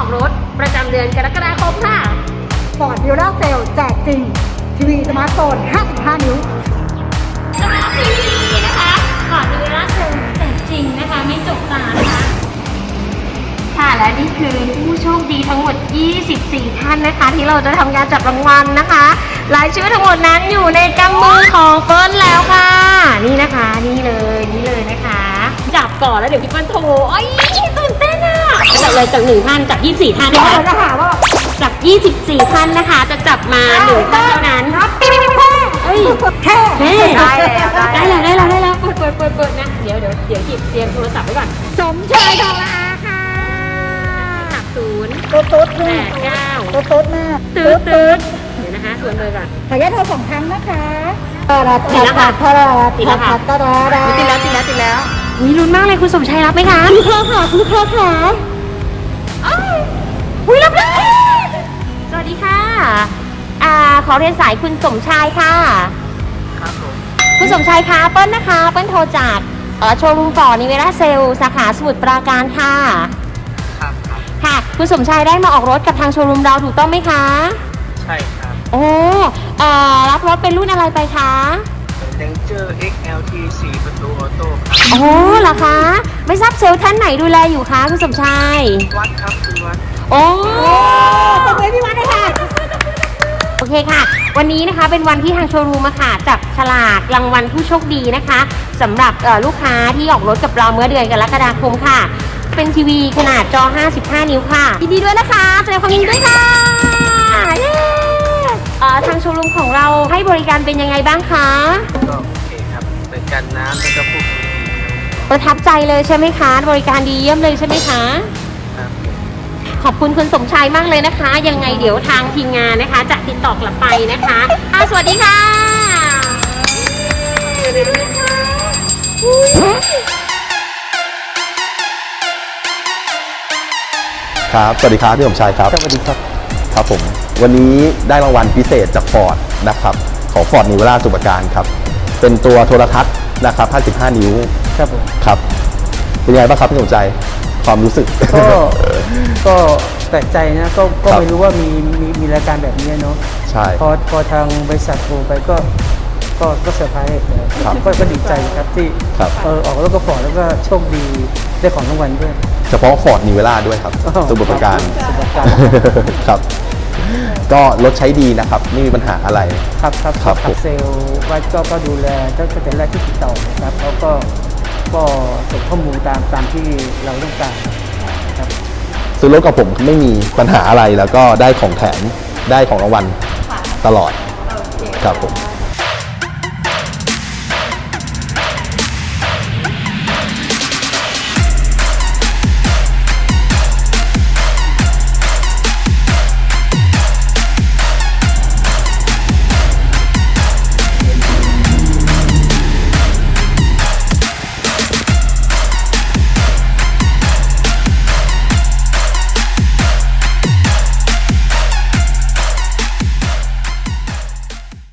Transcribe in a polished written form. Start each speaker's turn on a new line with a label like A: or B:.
A: อกรถประจำเดือนกรกฎาคมค่ะ
B: Ford Villa Sale แจกจริงทีวีสมาร์ทโฟน 55 นิ้ว
A: สมาร์ททีวีนะคะก่อนดูล่าสุดแต่จริงนะคะไม่จบตานะคะค่ะและนี่คือผู้โชคดีทั้งหมด 24 ท่านนะคะที่เราจะทำการจับรางวัลนะคะรายชื่อทั้งหมดนั้นอยู่ในกำมือของเปิ้ลแล้วค่ะนี่นะคะนี่เลยนะคะจับก่อนแล้วเดี๋ยวพี่เปิ้ลโทรโอ้ยตื่นเต้นอ่ะจับเลยจาก1ท่านจาก24ท่านนะคะ
B: จะหาว่า
A: จาก24ท่านนะคะจะจับมา1ท่านเท่านั้นเฮ้ย
B: แค่
A: ได้แล้วเปิดนะเดี๋ยวหยิบเตรียมโทรศัพท์ไว้ก่อน
B: สมชายทองละอาค่ะ
A: 0
B: ตุ๊ดแม่
A: 8 9
B: ตุ๊ดแม่
A: ตืดเดี๋ยวนะคะส่วนเลยก่อน
B: ขออนุญาตโทร2 ครั้งนะคะ
A: ติดแล้วค่ะติดแล้วมีลุ้นมากเลยคุณสมชัยรับไหมคะ
B: คุณค่ะ
A: รับเลยสวัสดีค่ะขอเรียนสายคุณสมชายค่ะ
C: ครับผม
A: คุณสมชายคะเปิ้ลนะคะเปิ้ลโทรจากโชว์รูมฟอร์ดนิเวราเซลสาขาสมุทรปราการค่ะ
C: ครับ
A: ค่ะคุณสมชายได้มาออกรถกับทางโชว์รูมเราถูกต้องไหมคะ
C: ใช่ครับ
A: โอ้รับรถเป็นรุ่นอะไรไปคะ
C: Ranger XLT 4 ประตูออโต้ครับ
A: โอ้เหรอคะไม่ทราบเซลล์ท่านไหนดูแลอยู่คะคุณสมชาย
C: วัดครับคุณวัด
A: โอ้ตบมือพี่วัดเลยค่ะโอเคค่ะวันนี้นะคะเป็นวันที่ทางโชว์รูมค่ะจับฉลากรางวัลผู้โชคดีนะคะสำหรับลูกค้าที่ออกรถกับเราเมื่อเดือนกรกฎาคมค่ะเป็นทีวีขนาดจอ55 นิ้วค่ะยินดีด้วยนะคะแสดงความยินดีด้วยค่ะทางโชว์รูมของเราให้บริการเป็นยังไงบ้างคะ
C: ก็โอเคครับเป็นกันน้ำแล้วก็พวกนี้
A: ประทับใจเลยใช่ไหมคะบริการดีเยี่ยมเลยใช่ไหมคะ
C: ครับ
A: ขอบคุณคุณสมชายมากเลยนะคะยังไงเดี๋ยวทางทีมงานนะคะจะติดต่อกลับไปนะคะสวัสดีค่ะ
D: ครับสวัสดีครับพี่สมชายครับ
C: สวัสดีครับ
D: ครับผมวันนี้ได้รางวัลพิเศษจากฟอร์ดนะครับของฟอร์ดนิเวราสมุทรปราการครับเป็นตัวโทรทัศน์นะครับ55 นิ้ว
C: ครับผม
D: ครับเป็นยังไงบ้างครับพี่สมชายความรู้สึก
C: ก็แปลกใจนะก็ไม่รู้ว่ามีรายการแบบนี้เนาะ
D: ใช่
C: พอทางบริษัทโทรไปก็เซอร์ไพรส์ก็ดีใจครับที่ออกรถกระป๋อแล้วก็โชคดีได้ของรางวัลด้วย
D: เฉพาะฟอร์ดนิเวราด้วยครับสมุทรปราการครับก็รถใช้ดีนะครับไม่มีปัญหาอะไร
C: ครับเซลล์วัดก็ดูแลตั้งแต่แรกที่ติดต่อครับเขาก็ส่งข้อมูลตามที่เราต้องการครับ
D: ซื้อรถกับผมไม่มีปัญหาอะไรแล้วก็ได้ของแถมได้ของรางวัลตลอดครับผม